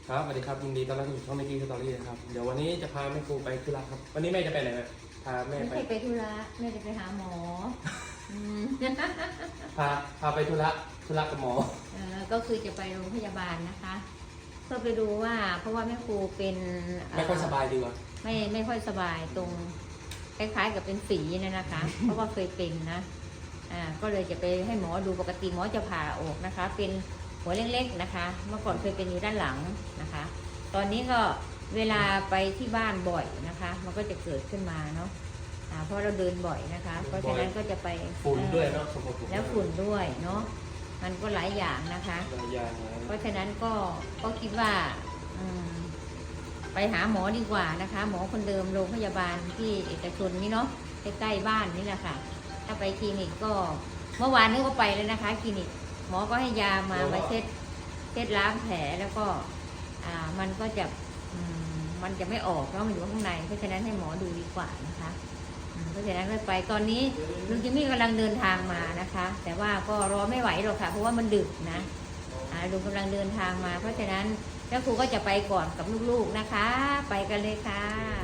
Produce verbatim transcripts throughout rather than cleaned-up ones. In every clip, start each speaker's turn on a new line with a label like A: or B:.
A: ครับสวัสดีครับยินดีต้อนรับสู่ช่องเมกี้สตอรี่นะครับเดี๋ยววันนี้จะพาแม่ครูไปธุระครับวันนี้แม่จะไปไหนนะพาแม่
B: ไม่
A: ไป
B: ใช่ไปธุระแม่จะไปหาหมออืม
A: พาพาไปธุระธุระกับหมอ
B: เออก็คือจะไปโรงพยาบาลนะคะเพื่อไปดูว่าเพราะว่าแม่ครูเป็นเ
A: ไม่ค่อยสบายดีกว่า
B: ไม่ไม่ค่อยสบายตรงคล้ายๆกับเป็นฝีเนี่ยนะคะ เพราะว่าเคยเป็นนะอ่าก็เลยจะไปให้หมอดูปกติหมอจะผ่าออกนะคะ เป็นหัวเล็กๆนะคะ เมื่อก่อนเคยเป็นอยู่ด้านหลังนะคะ ตอนนี้ก็เวลาไปที่บ้านบ่อยนะคะ มันก็จะเกิดขึ้นมาเนาะอ่าเพราะเราเดินบ่อยนะคะ เพราะฉะนั้นก็จะไป
A: ฝุ่นด้วยเนาะสมบูรณ์
B: แล้วฝุ่นด้วยเนาะมันก็หลายอย่างนะคะ
A: หลายอย่างนะ
B: เพราะฉะนั้นก็ก็คิดว่าอืมไปหาหมอดีกว่านะคะ หมอคนเดิมโรงพยาบาลที่เอกชนนี่เนาะใกล้ๆบ้านนี่แหละค่ะ ถ้าไปคลินิกก็เมื่อวานนี้ก็ไปเลยนะคะคลินิกหมอก็ให้ยามามาเช็ดเช็ดล้างแผลแล้วก็อ่ามันก็จะอืมมันจะไม่ออกเพราะมันอยู่ข้างในเพราะฉะนั้นให้หมอดูดีกว่านะคะอืมเพราะฉะนั้นก็ไปตอนนี้ลุงจิมมี่กำลังเดินทางมานะคะ แต่ว่าก็รอไม่ไหวหรอกค่ะเพราะว่ามันดึกนะอ่าลุงกำลังเดินทางมา เพราะฉะนั้นเจ้าครูก็จะไปก่อนกับลูกๆนะคะ ไปกันเลยค่ะ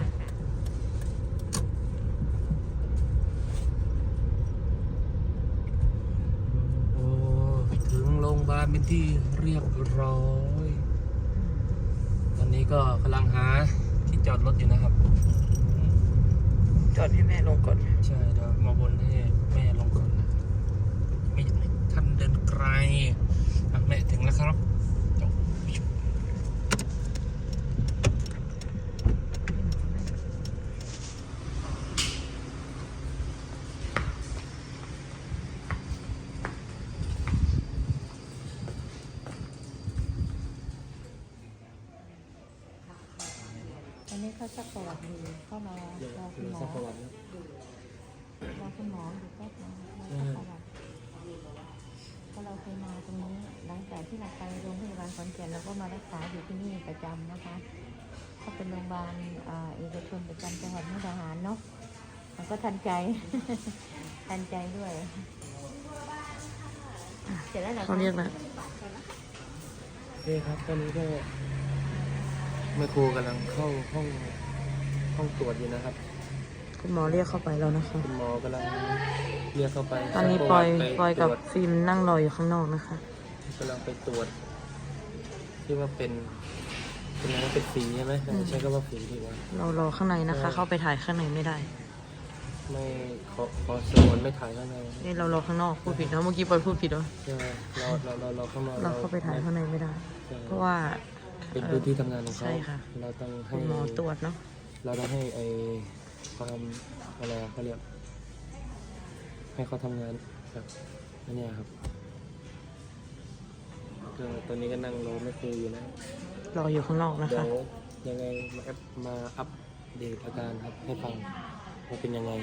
A: โอ้ถึงโรงพยาบาลเป็นที่เรียบร้อยตอนนี้ก็กำลังหาที่จอดรถอยู่นะครับ
C: จอดให้แม่ลงก่อน
A: ใช่เดี๋ยวมาบนให้แม่ลงก่อนนะไม่อยากให้ท่านเดินไกลอ่ะแม่ถึงแล้วครับจบ
B: อันนี้เขาสักประวัติดูเข้ามารอคุณหมอ
A: สักประวัตินะ
B: รอคุณหมออยู่แป๊บนึงรอสักประวัติก็เราเคยมาตรงนี้หลังจากที่เราไปโรงพยาบาลขอนแก่นเราก็มารักษาอยู่ที่นี่ประจำนะคะก็เป็นโรงพยาบาลเอกชนประจำจังหวัดมุกดาหารเนาะมันก็ทันใจ ทันใจด้วยเสร็จแล้วเหรอ
C: เขาเรียกแล้ว
A: โอเคครับตอนนี้ก็แม่ครูกำลังเข้าห้องห้องตรวจอยู่นะครับ
C: คุณหมอเรียกเข้าไปแล้วนะคะ
A: คุณหมอกำลังเรียกเข้าไป
C: ตอนนี้ปอย
A: ไป
C: ปอยกับ
A: ตรวจ
C: ฟิล์มนั่งรออยู่ข้างนอกนะคะ
A: กำลังไปตรวจที่ว่าเป็นเป็นอะไรนะเป็นฝีใช่ไหมใช้คำว่าฝีดีกว่า
C: เรารอข้างในนะคะ เข้าไปถ่ายข้างในไม่ได้
A: ไม่ขอขอสมวนไม่ถ่ายข้างใน
C: นี่เรารอข้างนอกพูดผิดนะเมื่อกี้ปอยพูดผิดวะ
A: ใช่ไหมเราเราเราเราข้างนอก
C: เราเข้าไปถ่ายข้างในไม่ได้
A: ใช่
C: เพราะว่า
A: เป็นพื้นที่ทำงานของเขา
C: ใช่ค่ะ
A: เราต้องให้
C: คุณหมอตรวจเนาะ
A: เราต้องให้ไอความอะไรอะเขาเรียกให้เขาทำงานแบบอันเนี้ยครับก็ตอนนี้ก็นั่งรอแม่ครูอยู่นะ
C: รออยู่ข้างนอกนะ
A: เดี๋ย
C: คะ
A: วยังไงมาแอปมาอัปเดตอาการครับให้ฟังว่าเป็นยังไง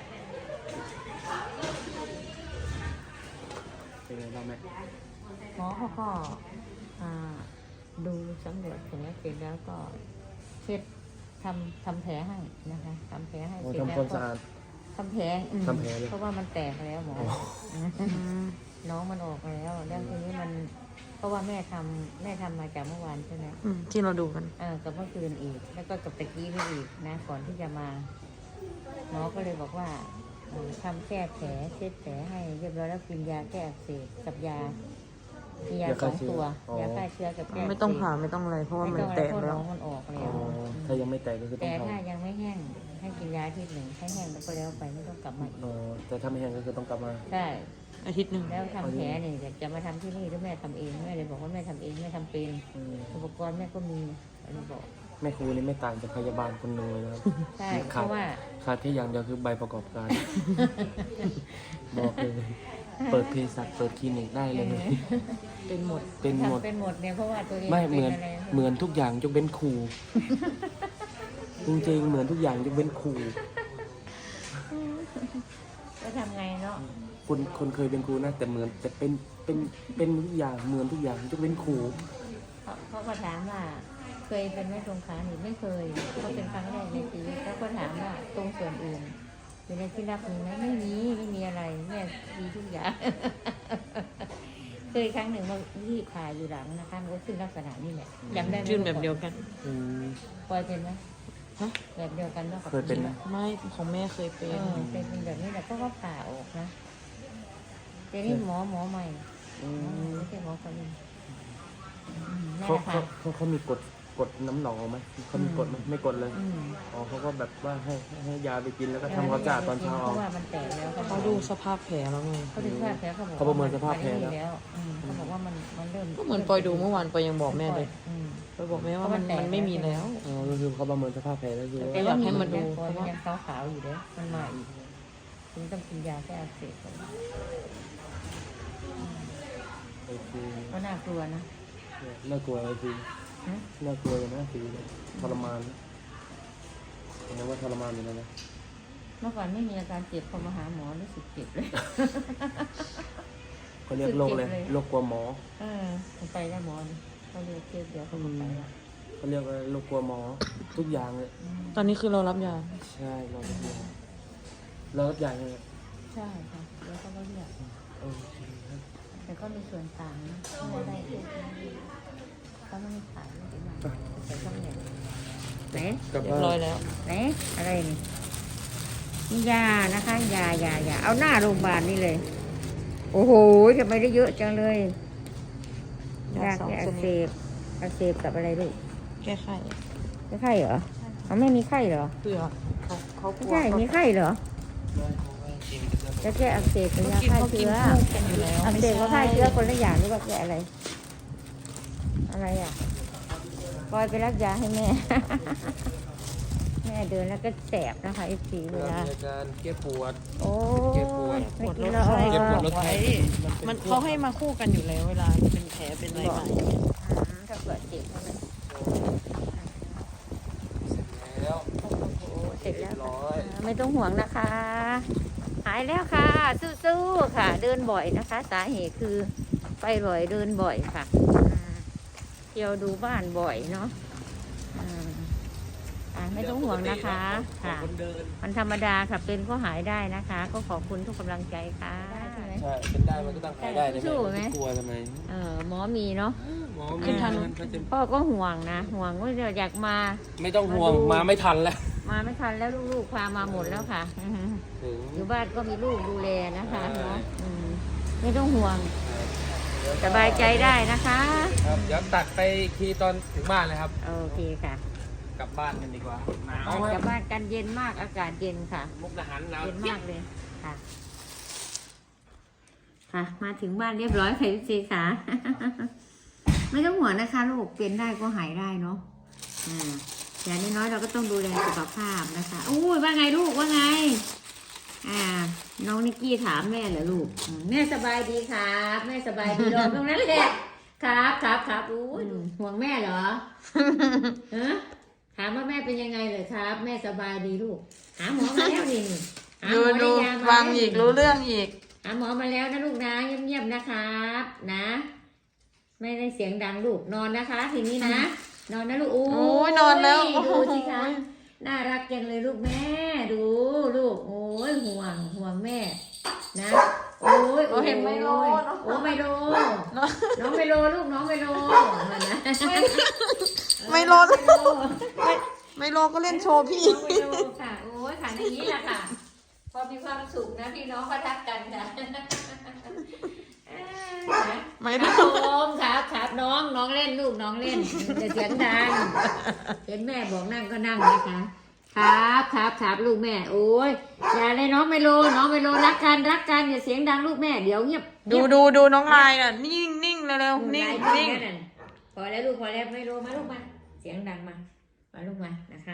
A: เป็นไงบ้างแม่
B: หมอเขาก็อ่าดูสำรวจแผลเสร็จแล้วก็เช็ดทำทำแผลให้นะคะทำแผลให้
A: โอ้
B: เสร็จ
A: ทำ
B: แล้ว
A: ความ
B: ก็
A: สะอาด
B: ทำแผลอืม
A: ทำแผลเลย
B: เพราะว่ามันแตกแล้วหมอ
C: อืม
B: น้องมันออกแล้วแล้วทีนี้มันเพราะว่าแม่ทำแม่ทำมาจากเมื่อวานใช่ไหม
C: อืมที่เราดูกัน
B: เออกับเมื่อคืนอีก แล้วก็กับตะกี้นี่อีกนะก่อนที่จะมาหมอก็เลยบอกว่าเอ่อทำแก้แผลเช็ดแผลให้เรียบร้อยแล้วกินยาแก้อักเสบกับยามียาสองตัวยาฆ่าเชื้อกับแก้อักเสบ
C: ไม่ต้องผ่าไม่ต้องอะไรเพราะว่า
B: ไม่
C: มัน
B: ต้องอะไร
C: แตก
B: เพราะ
C: แล้
B: น้
C: ว
B: องมันออก
A: อ๋
B: แล้
A: อ
B: ว
A: ถ้ายังไม่แตกก็คือต้อ
B: แต่
A: ง
B: ถ้า
A: ทำ
B: ยังไม่แห้งให้กินยาอาทิตย์หนึ่งให้แห้งแล้วก็แล้วไปไม่ต้องกลับมาอีก
A: อ๋อแต่ถ้าไม่แห้งก็คือต้องกลับมา
B: ใช่
C: อาทิตย์หนึ่ง
B: แล้วทำแผลเนี่ยจะมาทำที่นี่หรือแม่ทำเองแม่เลยบอกว่าแม่ทำเองแม่ทำเป็น
A: อืม
B: อุปกรณ์แม่ก็มีเราบอก
A: แม่ครูนี่ไม่ต่างจากพยาบาลคนหนึ่งเลยนะครับ
B: ใช่เพ
A: ขาด
B: ราะว่า
A: ขาดแค่อย่างเดียวคือใบประกอบการ บอกเลยเปิดเภสัชเปิดคลินิกได้เลย
C: เป็นหมด
A: เป็นหมด
B: ทำเป็นหมดเนี่ยเพราะว่าตัวเอง
A: ไม่
B: ป็
A: เหมือน
B: ะไร
A: เหมือนทุกอย่างยกเว้นครู จริงๆเหมือนทุกอย่างยกเว้นครู
B: ก็ทำไงเนาะ
A: คนคนเคยเป็นครูนะแต่เหมือนแต่เป็นเป็นเป็นทุกอย่างเหมือนทุกอย่างยกเว้นครู
B: เขาเขาก็ถามว่าเคยเป็นไหม่ตรงขาหนิไม่เคยก็เป็นครั้งแรกในชีวิตแล้วก็ถามว่าตรงส่วนอื่นอยู่ในที่รับมีไหมไม่มีไม่มีอะไรแม่ดีทุกอย่าง เเคยครั้งหนึ่งมาที่ผ่าอยู่หลังนะคะมันก็ขึ้นลักษณะนี้แหละจำได้ไหม
C: ขึ้นแบบเดียวกัน
A: อืม
B: ปอยเป็นไหม
C: ฮะ
B: แบบเดียวกันแล้วกับ
A: เคยเป็นไหม
C: ไม่ของแม่เคยเป็
B: เอน อเป็นเป็นแบบนี้แหละก็ก็ผ่าออกนะแต่นี่หมอหมอใหม่
A: อืม
B: ไม่ใช่หมอคนนี้อืมนั่น
A: เขา
B: แหละ
A: เขา
B: ค่ะ
A: เขาเขามีกดกดน้ำหนองไหมเขามีกดไหมไม่กดเลย
B: อืม
A: อ๋อเขาก็แบบว่าให้ให้ยาไปกินแล้วก็ทำความสะอาดตอนเช้า
B: เพ
A: เอา
B: ราะว่ามันแตกแล้ว
C: เขาดูสภาพแผลแล้วไง
B: เขาดูสภาพแผลเขาบอก
A: เขาประเมินสภาพแผลแล้ว
B: แล้วอืมเขาบอกว่ามันมันเริ่ม
C: ก็เหมือนปอยดูเมื่อวานปอยยังบอกแม่เลย
B: อืม
C: ปอยบอกแม่ว่ามัน
B: เพราะมันแตก
C: มันไม่มีแล้ว
A: อ๋อก็คือเขาประเมินสภาพแผลแล้วคือ
C: แต่ อยากให้มาดู
B: เพราะมันยังขาวๆอยู่เด้อมันมาอีกคุณต้องกินยาแก้อักเสบก่อน
A: โอเค
B: ก็น่ากลัวนะ
A: น่ากลัวเลยคือ
B: ฮะ
A: น่ากลัวอย่างน่าสีเลยทรมานนะเห็นไหมว่าทรมานอยู่แล้วนะ
B: เมื่อก่อนไม่มีอาการเจ็บพอมาหาหมอรู้สึกเจ็บเลย
A: เขาเรียกโรคเลย
B: เจ็บเลย
A: โรคกลัวหมอ
B: เออผมไปแล้วหมอนี่เขาเรียกเจ็บเดียวเขาก็ไปแล้ว
A: เขาเรียกว่าโรคกลัวหมอทุกอย่างเลย
B: อืม
C: ตอนนี้คือเรารับยา
A: ใช่เรารับยาเรารับยายังไง
B: ใช่ค่ะแล้วก็เรียก
A: โอเคครับ
B: แต่ก็มีส่วนต่างนะไม่ได้เจ็บเขาไม่ได้ขายไม่ได้มาแต่ก็ไม่ได้ไหน
A: กลับ
C: เรีย
A: บ้า
C: บร้อย
A: น
C: แล้ว
B: ไหนอะไรนี่นี่ยานะคะยายายาเอาหน้าโรงพยาบาลนี่เลย โอ้โหทำไมได้เยอะจังเลยยาแก้อักเสบอักเสบกับอะไรลูก
C: แก้ไข
B: ไม่ไข้เหรอเอาไม่มีไข้เหรอ
C: เพื่อเขาเขาก
B: ไม่
C: ลัว
B: ใช่มีไข้เหรอจะแก้อักเสบหรื
C: เขา
B: อยา
C: กิน
B: ฆ่า
C: เขากิน
B: เชื้อ
C: คู่กันอยู่แล้ว
B: อักเสบกับฆ่าเชื้อคนละอย่างหรือว่าแก้อะไร อะไรอ่ะปอยไปรับยาให้แม่ แม่เดินแล้วก็แสบนะคะไอ้สีเว
A: เวลา
B: ลา
A: มีอาการแก้ปวด
B: โอ้
A: เจ็บปวด
B: ย
C: ปวด
B: ไม่
C: ล
B: กิน
C: ด
B: แล้ว
C: ไข้
A: เจ็บปวดลด
C: ไว้
A: ไข้
C: มันเขาให้มาคู่กันอยู่แล้วเวลาเป็นแผลเป็นอะไรมา
B: อืมถ้าเกิดเจ็บก็เลย
A: แล้ว
B: โอ้โหเสร็จแล้ว
A: เรียบร้
B: ค่ะ
A: อย
B: อ่าไม่ต้องห่วงนะคะ หายแล้วค่ะ สู้ๆค่ะ เดินบ่อยนะคะ สาเหตุคือไปบ่อยเดินบ่อยค่ะอืมเที่ยวดูบ้านบ่อยเนาะอืมอ่าไม่ต้องห่วงนะคะค่ะ
A: คนเดิน
B: มันธรรมดาค่ะเป็นก็หายได้นะคะ ก็ขอบคุณทุกกำลังใจค่ะใช่ไหม
A: ใช่เป็นได้มันก็ต้องหายได้เลย
B: สู้ไหม
A: กลัวทำไม
B: เออหมอมีเนาะ
A: หมอ
B: ขึ้นทัน
A: เขาจะ
B: พ่อก็ห่วงนะห่วงว่าอยากมา
A: ไม่ต้องห่วง
B: มาดู
A: มาไม่ทันแล้ว
B: มาไม่ทันแล้วลูกๆพามาหมดแล้วค่ะอือฮึ
A: ถึง
B: อยู่บ้านก็มีลูกดูแลนะคะ
A: ใช่
B: เนาะอืมไม่ต้องห่วงสบายใจได้นะคะ
A: ครับเดี๋ยวตัดไปอีกทีตอนถึงบ้านเลยครับ
B: โอเคค่ะ
A: กลับบ้านกันดีกว่าหนาว
B: ออก
A: ค
B: จา
A: รั
B: ก
A: บ
B: บ้านกันเย็นมากอากาศเย็นค่ะ
A: มุกดาหารหนาว
B: เย็นมากเลยค่ะ ค่ะ มาถึงบ้านเรียบร้อยค่ะพี่เจค่ะ ไม่ต้องห่วงนะคะลูกเป็นได้ก็หายได้เนาะอ่าอย่างน้อยๆเราก็ต้องดูแลสุขภาพนะคะอู้ยว่าไงลูกว่าไง อ่า น้องนิกกี้ถามแม่เหรอลูกอืมแม่สบายดีครับ แม่สบายดีรอตรงนั้นแหละครับครับครับอู้ยห่วงแม่เหรอ ฮะถามว่าแม่เป็นยังไงเหรอครับ แม่สบายดีลูก หาหมอมาแล้วนี่นี่หาห
C: ดู
B: มอได้
C: ดู
B: ยามา
C: ฟัง
B: แล้ว
C: อีก
B: นี่
C: รู้เรื่องอีก
B: หาหมอมาแล้วนะลูกนะเงียบๆนะครับ นะ ไม่ได้เสียงดังลูกนอนนะคะทีนี้นะ นอนนะลูก
C: โอ้ยนอนแล้วโอ้โห
B: ดูสิคะน่ารักจังเลยลูกแม่ ดูลูก โอ้ยห่วงห่วงแม่ นะ โอ้ย
C: โอ้เห็นไมโล
B: โอ้ย
C: เนอะ
B: โอ้ไมโล
C: เนอะ
B: น้องไมโลลูกน้องไมโลมานะ
C: ไมโล
B: เออไมโล
C: ไม่ไม่โลก็เล่นโชว์พี่
B: น้องไมโลค่ะ โอ้ยค่ะอย่างนี้แหละค่ะ พอมีความสุขนะพี่น้องก็ทักกันค่ะเอ้ยนะ
C: ไม่
B: ค
C: โล
B: รับผมครับครับน้องน้องเล่นลูกน้องเล่นจะเสียงดังเห็นแม่บอกนั่งก็นั่งนะคะ ครับครับครับลูกแม่ โอ้ยอย่าเลยน้องไมโลน้องไมโลรักกันรักกันอย่าเสียงดังลูกแม่เดี๋ยวเงียบ
C: ดูดูดูน้องลายน่ะ นิ่งนิ่งเร็วๆ
B: นิ่
C: นิ่
B: ง
C: ง
B: นิ่
C: นิ่
B: ง
C: ง
B: พอแล้วลูกพอแล้วไมโลมาลูกมา เสียงดังมามาลูกมานะคะ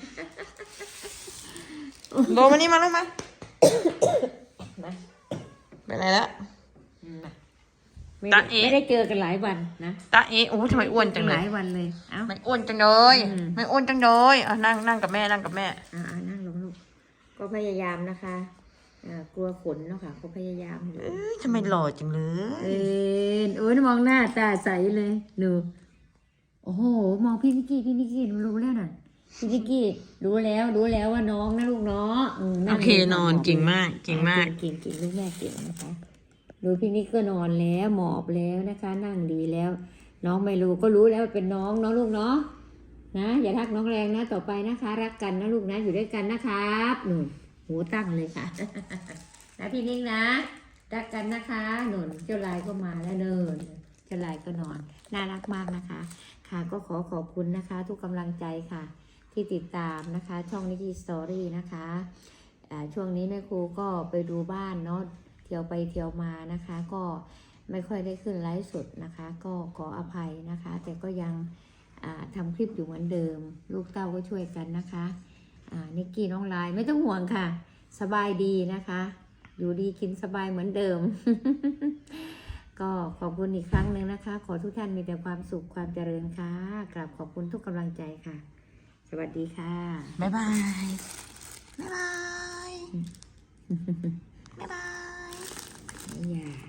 C: โลมานี่มาลูกมา
B: มา
C: ไปไหนแล้ว
B: มาไม่
C: ตา
B: ได้
C: เอ๋
B: ไม่ได้เจอกันหลายวันนะ
C: ตาเอ๋โอ้ทำไมอ้วนจังเล
B: ห
C: ย
B: ลายวันเลยเอ้า
C: ไม่อ้วนจังเลย
B: อืม
C: ไม่อ้วนจังเลยอ่ะนั่งนั่งกับแม่นั่งกับแม่
B: อ่าๆนั่งลงลูกก็พยายามนะคะอ่ากลัวขนเนาะค่ะก็พยายามอยู่
C: เอ้ยทำไมหล่อจังเล
B: เอย นโอ้ยมองหน้าตาใสเลยหนูโอ้โหมองพี่นิกกี้พี่นิกกี้หนูรู้แล้วน่ะพี่นิกกี้รู้แล้วรู้แล้วว่าน้องนะลูกเนาะมนั่
C: โอง เคนอนเก่งมากเก่งมาก
B: เก่งเก่งลูกแม่เก่งนะคะดูพี่นิกก็นอนแล้วหมอบแล้วนะคะ นั่งดีแล้ว น้องไม่รู้ก็รู้แล้วว่าเป็นน้องเนาะลูกเนาะนะอย่าทักน้องแรงนะต่อไปนะคะ รักกันนะลูกนะอยู่ด้วยกันนะครับหนุนหูตั้งเลยค่ะ นะพี่นิกนะรักกันนะคะหนุนเจ้าลายก็มาแล้วเนินเจ้าลายก็นอนน่ารักมากนะคะ ค่ะก็ขอขอบคุณนะคะ ทุกกำลังใจค่ะ ที่ติดตามนะคะ ช่องนิกิสตอรี่นะคะอ่าช่วงนี้แม่ครูก็ไปดูบ้านเนาะเที่ยวไปเที่ยวมานะคะ ก็ไม่ค่อยได้ขึ้นไลฟ์สดนะคะ ก็ขออภัยนะคะ แต่ก็ยังอ่าทำคลิปอยู่เหมือนเดิม ลูกเต้าก็ช่วยกันนะคะอ่านิกกี้น้องลายไม่ต้องห่วงค่ะ สบายดีนะคะ อยู่ดีกินสบายเหมือนเดิม ก็ขอบคุณอีกครั้งหนึ่งนะคะ ขอทุกท่านมีแต่ความสุขความเจริญค่ะกราบขอบคุณทุกกำลังใจค่ะ สวัสดีค่ะ
C: บ๊ายบาย บ๊ายบาย บ๊ายบาย
B: อย่า